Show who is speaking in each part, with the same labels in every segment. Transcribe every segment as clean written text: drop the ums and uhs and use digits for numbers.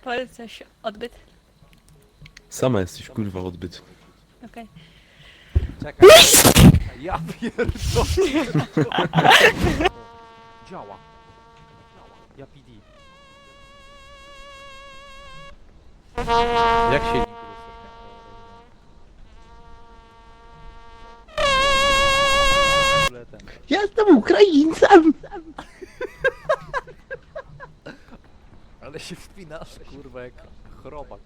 Speaker 1: Powiedz coś, odbyt.
Speaker 2: Sama jesteś kurwa odbyt.
Speaker 1: Okej.
Speaker 3: Czekaj. Ja pierdolę. Działa. Ja PD. Jak się
Speaker 2: Jestem Ukraińcem!
Speaker 3: Ale się wspinasz, kurwa, jak chrobak.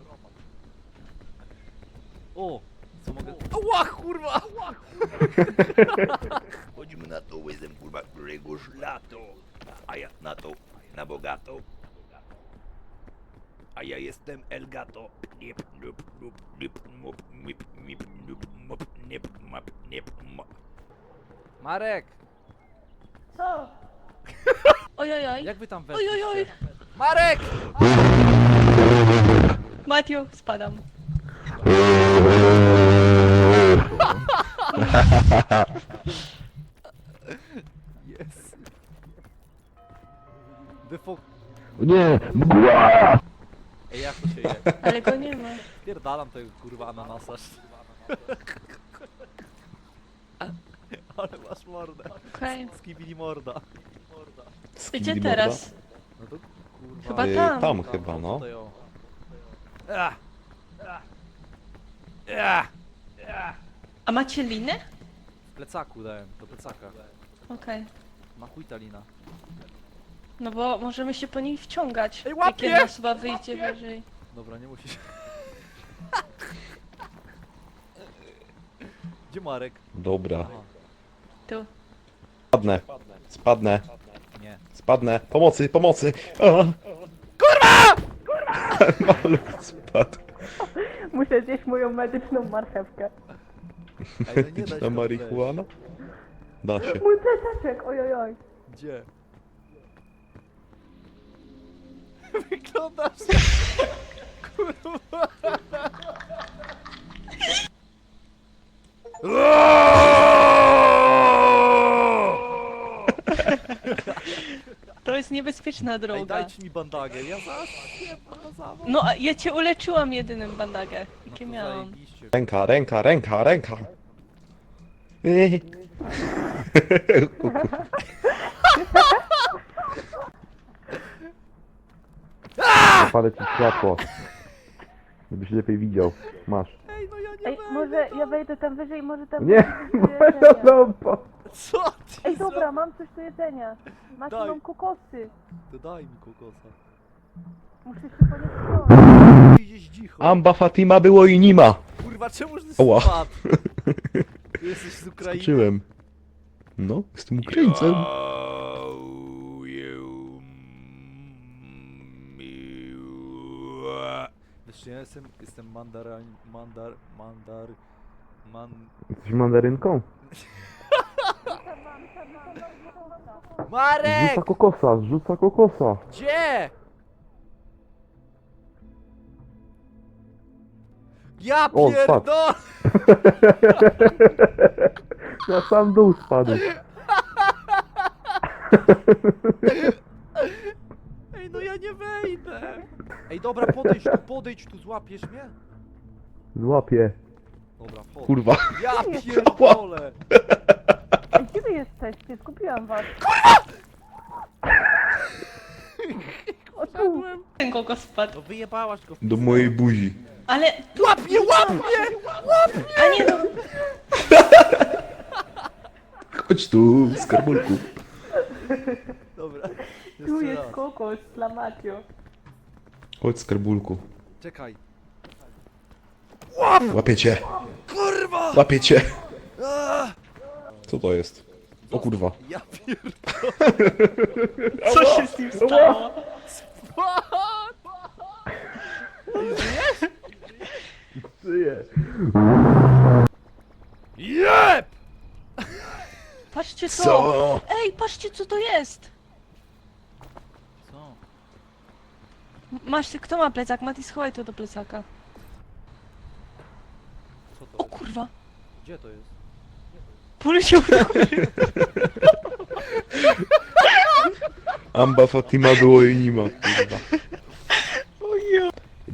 Speaker 3: O! Co mogę... Ała, kurwa! Ała!
Speaker 4: Chodźmy na to łezem, kurwa, któregoś lato. A ja na to, na bogato. A ja jestem Elgato. Nip, nup, nup, nip, mop, mip, mip, nup, mop, nip, map, nip, mop.
Speaker 3: Marek!
Speaker 1: Co? Ojojoj.
Speaker 3: Jak wy tam weszliście?
Speaker 1: Ojojoj.
Speaker 3: Marek!
Speaker 1: Matthew, spadam.
Speaker 3: Jest. Wyfok...
Speaker 2: Nie!
Speaker 3: Ej, jak to się je?
Speaker 1: Ale go nie ma.
Speaker 3: Pierdalam tego, kurwa, ananasarz. Ale masz mordę.
Speaker 1: Okej.
Speaker 3: Skibidi morda.
Speaker 1: Gdzie teraz?
Speaker 3: No to kurwa...
Speaker 1: Chyba tam.
Speaker 2: Tam chyba, no.
Speaker 3: Tutaj, o. Ah! Ah!
Speaker 1: A macie linę?
Speaker 3: W plecaku dałem, do plecaka.
Speaker 1: Okej.
Speaker 3: Na chuj ta lina.
Speaker 1: No bo możemy się po niej wciągać.
Speaker 3: Ej,
Speaker 1: Jak
Speaker 3: łapie!
Speaker 1: jedna osoba wyjdzie wyżej.
Speaker 3: Dobra, nie musisz. Gdzie Marek?
Speaker 2: Dobra.
Speaker 3: Aha,
Speaker 1: Tu.
Speaker 2: Spadnę. Spadnę.
Speaker 3: nie.
Speaker 2: Spadnę. Pomocy, pomocy! Kurwa! Maluch spadł.
Speaker 5: Muszę zjeść moją medyczną marchewkę.
Speaker 3: Ej, no nie da się
Speaker 2: Na
Speaker 3: tam
Speaker 2: marihuana? Da się.
Speaker 5: Mój plecaczek, ojojoj.
Speaker 3: wejść. Gdzie? Wyglądasz kurwa.
Speaker 1: To jest niebezpieczna
Speaker 3: Ej,
Speaker 1: droga.
Speaker 3: dajcie mi bandagę, ja zaraz nie zawał.
Speaker 1: No, a ja cię uleczyłam jedynym bandagę.
Speaker 3: No
Speaker 1: Jakie
Speaker 3: to
Speaker 1: miałam.
Speaker 3: zajebiście.
Speaker 2: Ręka, ręka, ręka, ręka! Zapalę ci światło. Żebyś lepiej widział. Masz.
Speaker 3: Ej, no ja nie
Speaker 5: Ej,
Speaker 3: będę.
Speaker 5: może ja wejdę tam wyżej, może tam...
Speaker 2: Nie,
Speaker 5: coś do jedzenia.
Speaker 2: lampa!
Speaker 3: Co ty
Speaker 5: Ej, dobra, mam coś do jedzenia. Macie
Speaker 3: Daj.
Speaker 5: mam kokosy.
Speaker 3: To daj mi kokosa.
Speaker 5: Muszę się po nie wciągnąć.
Speaker 3: Ty idziesz dzicho.
Speaker 2: Amba Fatima było i nie ma.
Speaker 3: Kurwa, czemu ty
Speaker 2: Oła.
Speaker 3: spadł? Ty jesteś z Ukrainy?
Speaker 2: Skoczyłem. No, jestem Ukraińcem.
Speaker 3: Wiesz, ja jestem
Speaker 2: Jesteś mandarynką?
Speaker 3: Marek!
Speaker 2: Zrzuca kokosa.
Speaker 3: Gdzie? Ja
Speaker 2: O, spadł.
Speaker 3: pierdolę!
Speaker 2: Na sam dół spadł.
Speaker 3: Ej, no ja nie wejdę! Ej, dobra, podejdź tu, złapiesz mnie?
Speaker 2: Złapię.
Speaker 3: Dobra, wchodź.
Speaker 2: Kurwa.
Speaker 3: Ja pierdolę!
Speaker 5: Ej, gdzie wy jesteście? Zgubiłam was. O tu.
Speaker 1: Ten kogo spadł.
Speaker 3: No wyjebałaś go w
Speaker 2: Do mojej buzi.
Speaker 1: Ale...
Speaker 3: Łap mnie!
Speaker 1: A nie no...
Speaker 2: Chodź tu, skarbulku.
Speaker 3: Dobra,
Speaker 5: Tu
Speaker 3: jeszcze
Speaker 5: jest
Speaker 3: raz.
Speaker 5: kokos dla Matio.
Speaker 2: Chodź, skarbulku.
Speaker 3: Czekaj.
Speaker 2: Łapię cię.
Speaker 3: Kurwa!
Speaker 2: Łapię cię.
Speaker 3: Ah!
Speaker 2: Co to jest? O kurwa.
Speaker 3: Ja pierdolę!
Speaker 1: Co się z nim stało?
Speaker 2: Żyję.
Speaker 3: Jeb!
Speaker 1: Patrzcie co!
Speaker 2: Co?
Speaker 1: Ej, patrzcie co to jest!
Speaker 3: Co?
Speaker 1: Masz, kto ma plecak? Mati, schowaj to do plecaka.
Speaker 3: Co to
Speaker 1: O
Speaker 3: jest?
Speaker 1: kurwa!
Speaker 3: Gdzie to jest?
Speaker 1: Poleciał do góry.
Speaker 2: Amba Fatima było i nie ma, kurwa.
Speaker 1: O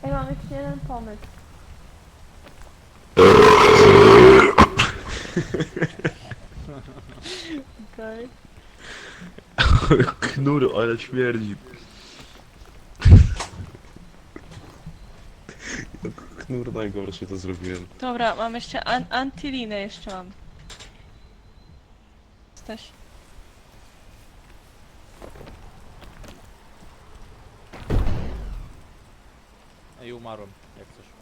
Speaker 5: Ej, mam jeszcze jeden pomysł.
Speaker 1: Okej.
Speaker 2: Knur, ale śmierdzi. Knur najgorszy to zrobiłem.
Speaker 1: Dobra, mam jeszcze antylinę jeszcze mam. Jesteś.
Speaker 3: Ej, umarłem, jak coś.